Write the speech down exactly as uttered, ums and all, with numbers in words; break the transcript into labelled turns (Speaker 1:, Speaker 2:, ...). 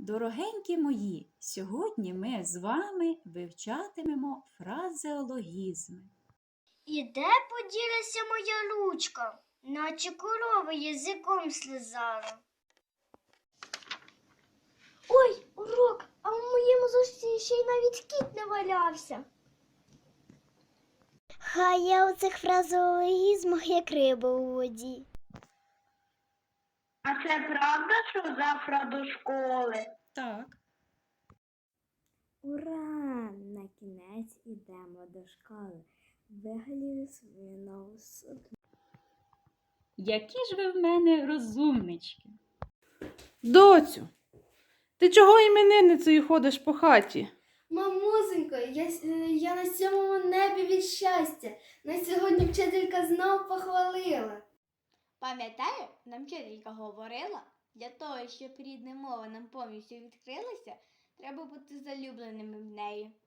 Speaker 1: Дорогенькі мої, сьогодні ми з вами вивчатимемо фразеологізми.
Speaker 2: І де поділася моя ручка, наче корова язиком слизала. Ой, урок, а в моєму зошиті ще й навіть кіт не валявся. Хай я у цих фразеологізмах як риба у воді.
Speaker 3: А це правда, що завтра до школи?
Speaker 1: Так.
Speaker 2: Ура! На кінець ідемо до школи. Вигалію свою нову сукню.
Speaker 1: Які ж ви в мене розумнички.
Speaker 4: Доцю, ти чого іменинницею ходиш по хаті?
Speaker 5: Мамусенько, я, я на сьомому небі від щастя. На сьогодні вчителька знов похвалила.
Speaker 6: Пам'ятаю, нам вчителька говорила, для того, щоб рідна мова нам повністю відкрилася, треба бути залюбленими в неї.